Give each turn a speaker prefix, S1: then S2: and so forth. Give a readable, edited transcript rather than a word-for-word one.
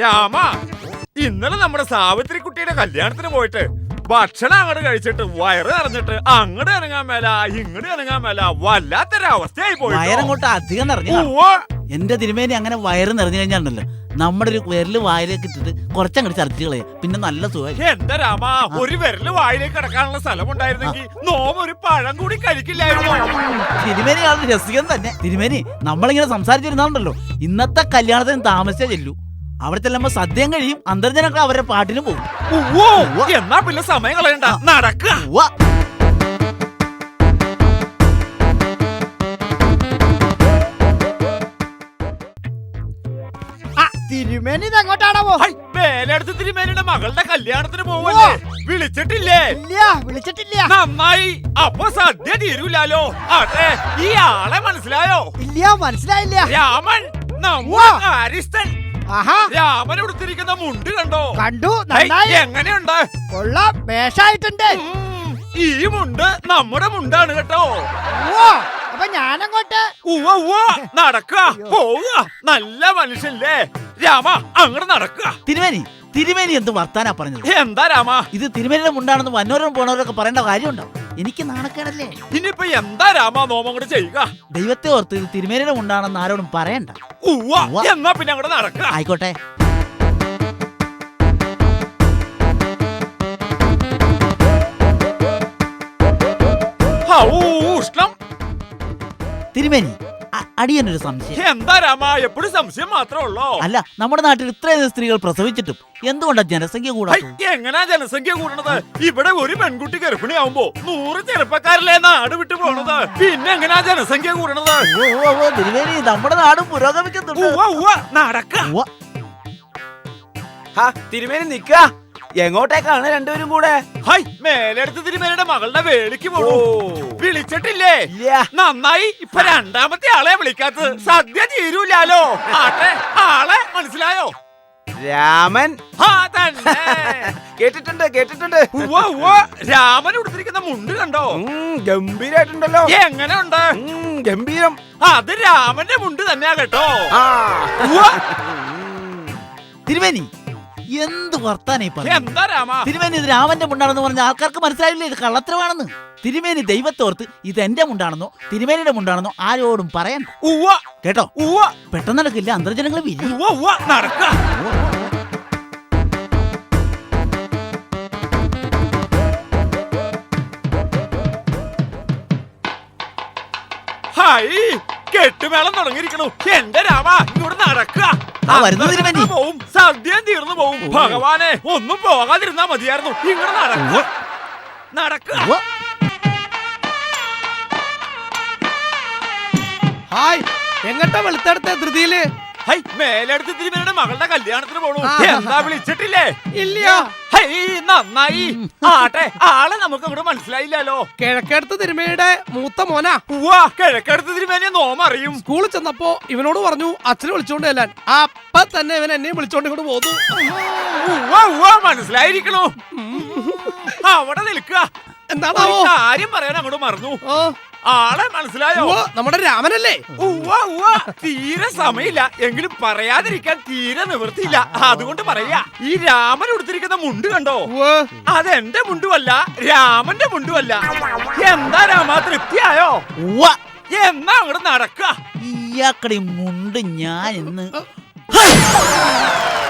S1: രാമ, ഇന്നലെ നമ്മുടെ സാവിത്രി കുട്ടിയുടെ കല്യാണത്തിന് പോയിട്ട് ഭക്ഷണം അങ്ങോട്ട് കഴിച്ചിട്ട് വയറ് നിറഞ്ഞിട്ട് അങ്ങോട്ട് ഇറങ്ങാൻ മേല ഇങ്ങോട്ട് ഇറങ്ങാൻ മേല വല്ലാത്തൊരവസ്ഥയായി പോയി.
S2: വയറങ്ങോട്ട് അധികം നിറഞ്ഞു. എന്റെ തിരുമേനി അങ്ങനെ വയറ് നിറഞ്ഞു കഴിഞ്ഞാണ്ടല്ലോ നമ്മുടെ ഒരു വിരല് വായിലേക്ക് ഇട്ടിട്ട് കുറച്ചങ്ങോട്ട് ചർച്ച കളയാ, പിന്നെ നല്ല സുഖം.
S1: എന്റെ രാമ, ഒരു വിരല് വായിലേക്ക് കിടക്കാനുള്ള സ്ഥലം ഉണ്ടായിരുന്നെങ്കിൽ നോമ ഒരു പഴം കൂടി കഴിക്കില്ലായിരുന്നു.
S2: തിരുമേനിയാണ് രസികം തന്നെ. തിരുമേനി നമ്മളിങ്ങനെ സംസാരിച്ചിരുന്നാണ്ടല്ലോ ഇന്നത്തെ കല്യാണത്തിന് താമസിച്ചേ ചെല്ലൂ. അവിടെ ചെല്ലുമ്പോ സദ്യം കഴിയും, അന്തർജനങ്ങൾ അവരുടെ പാട്ടിന് പോകും.
S1: എന്നാ പിന്നെ സമയം കളയണ്ട, നടക്കുക.
S3: തിരുമേനി എങ്ങോട്ടാണോ?
S1: വേലടുത്ത് തിരുമേനിയുടെ മകളുടെ കല്യാണത്തിന് പോവല്ലേ? വിളിച്ചിട്ടില്ലേ?
S3: ഇല്ല, വിളിച്ചിട്ടില്ല.
S1: നന്നായി, അപ്പൊ സദ്യ തീരൂലോ. അതെ, ഈ ആളെ മനസ്സിലായോ?
S3: ഇല്ല, മനസ്സിലായില്ല.
S1: രാമൻ, നമ്മുടെ കാര്യസ്ഥൻ.
S3: ആഹാ,
S1: രാമൻ ഉടുത്തിരിക്കുന്ന മുണ്ട് കണ്ടോ?
S3: കണ്ടു. നന്നായി.
S1: എങ്ങനെയുണ്ട്?
S3: കൊള്ളാം, വേഷായിട്ടുണ്ട്.
S1: ഈ മുണ്ട് നമ്മുടെ മുണ്ടാണ് കേട്ടോ.
S3: അപ്പൊ ഞാനങ്ങോട്ട്
S1: നടക്കുക, പോവുക. നല്ല മനുഷ്യല്ലേ രാമ, അങ്ങോട്ട് നടക്കുക.
S2: തിരുമേനി എന്ത് വർത്താനാ പറഞ്ഞത്?
S1: എന്താ രാമ?
S2: ഇത് തിരുമേനിയുടെ മുണ്ടാണെന്ന് വന്നവരും പോണവരൊക്കെ പറയേണ്ട കാര്യമുണ്ടോ? എനിക്ക് നാണക്കേടല്ലേ?
S1: ഇനിയിപ്പൊ എന്താ രാമ നോമം കൂടെ ചെയ്യുക?
S2: ദൈവത്തെ ഓർത്ത് ഇത് തിരുമേനിയുടെ മുണ്ടാണെന്ന് ആരോടും പറയണ്ട.
S1: എന്നാ പിന്നെ അങ്ങോട്ട് നടക്കുക.
S2: ആയിക്കോട്ടെ.
S1: ഉഷ്ണം.
S2: തിരുമേനി, അടിയനൊരു സംശയം.
S1: എന്താ രാമ, എപ്പോഴും സംശയം മാത്രമേ ഉള്ളോ?
S2: അല്ല, നമ്മുടെ നാട്ടിൽ ഇത്രയും സ്ത്രീകൾ പ്രസവിച്ചിട്ടും എന്തുകൊണ്ടാ ജനസംഖ്യ കൂടാത്തത്?
S1: എങ്ങനാ ജനസംഖ്യ കൂടണത്? ഇവിടെ ഒരു പെൺകുട്ടി ഗർഭിണിയാവുമ്പോ 100 ചെറുപ്പക്കാരല്ലേ നാട് വിട്ടു പോണത്. പിന്നെ എങ്ങനാ ജനസംഖ്യ കൂടണത്?
S2: തിരുമേനി, നമ്മുടെ നാടും പുരോഗമിക്കുന്നുണ്ട്.
S1: നടക്ക.
S4: തിരുമേനി നിക്ക. എങ്ങോട്ടേക്കാണ് രണ്ടുപേരും കൂടെ?
S1: മേലെടുത്ത് തിരുമേനിയുടെ മകളുടെ വേളിക്ക് പോണു. വിളിച്ചിട്ടില്ലേ? നന്നായി, ഇപ്പൊ രണ്ടാമത്തെ ആളെ വിളിക്കാത്തത്. സദ്യ തീരൂലോ. ആട്ടെ, ആളെ മനസ്സിലായോ?
S4: രാമൻ. കേട്ടിട്ടുണ്ട്.
S1: രാമൻ ഉടുത്തിരിക്കുന്ന മുണ്ട് കണ്ടോ?
S4: ഗംഭീരായിട്ടുണ്ടല്ലോ.
S1: എങ്ങനെയുണ്ട്?
S4: ഗംഭീരം.
S1: അത് രാമന്റെ മുണ്ട് തന്നെയാ കേട്ടോ.
S2: തിരുമേനി, എന്ത് വർത്താനായി പറഞ്ഞു?
S1: എന്താ രാമ?
S2: തിരുമേനി, ഇത് രാമന്റെ മുണ്ടാണെന്ന് പറഞ്ഞ ആൾക്കാർക്ക് മനസ്സിലായില്ലേ ഇത് കള്ളത്തരമാണെന്ന്? തിരുമേനി ദൈവത്തോർത്ത് ഇത് എന്റെ മുണ്ടാണെന്നോ തിരുമേനിയുടെ മുണ്ടാണെന്നോ ആരോടും പറയണ്ട കേട്ടോ. പെട്ടെന്ന് നടക്കില്ല, അന്തർജനങ്ങൾ വിരി.
S1: നടക്ക. കെട്ടുമേളം തുടങ്ങിയിരിക്കണു. എന്റെ രാമ, ഇങ്ങോട്ട് നടക്കുക. പോവും, സദ്യം തീർന്നു പോവും. ഭഗവാനെ, ഒന്നും പോകാതിരുന്നാ മതിയായിരുന്നു. ഇങ്ങോട്ട് നടക്കുക.
S4: എങ്ങട്ടാ വെളുത്തെടുത്ത ധൃതിയില്?
S1: മേലെടുത്ത് തിരുമേനിയുടെ മകളുടെ കല്യാണത്തിന് പോണു. എന്താ വിളിച്ചിട്ടില്ലേ?
S4: ഇല്ല.
S1: നന്നായി. ആട്ടെ, ആളെ നമുക്ക് അങ്ങോട്ട് മനസ്സിലായില്ലല്ലോ.
S4: കിഴക്കടുത്ത് തിരുമേനിയുടെ മൂത്ത മോനാ.
S1: കിഴക്കടുത്ത് തിരുമേനിയെ നോമ അറിയും.
S4: സ്കൂളിൽ ചെന്നപ്പോ ഇവനോട് പറഞ്ഞു അച്ഛനെ വിളിച്ചോണ്ട് ചെല്ലാൻ. അപ്പൊ തന്നെ ഇവൻ എന്നെ വിളിച്ചോണ്ട് ഇങ്ങോട്ട് പോന്നു.
S1: മനസ്സിലായിരിക്കണു. അവിടെ നിൽക്കുക.
S4: എന്താണോ
S1: കാര്യം പറയാൻ അങ്ങോട്ട് മറന്നു. ആളെ മനസ്സിലായോ?
S4: നമ്മുടെ രാമനല്ലേ?
S1: തീരെ സമയമില്ല, എങ്കിലും പറയാതിരിക്കാൻ തീരെ നിവൃത്തിയില്ല. അതുകൊണ്ട് പറയാ, ഈ രാമൻ ഉടുത്തിരിക്കുന്ന മുണ്ട് കണ്ടോ? അതെന്റെ മുണ്ടുമല്ല, രാമന്റെ മുണ്ടുമല്ല. എന്താ രാമ, തൃപ്തിയായോ? എന്നാ അങ്ങോട്ട് നടക്ക.
S2: ഇയാക്കടെ മുണ്ട് ഞാൻ ഇന്ന്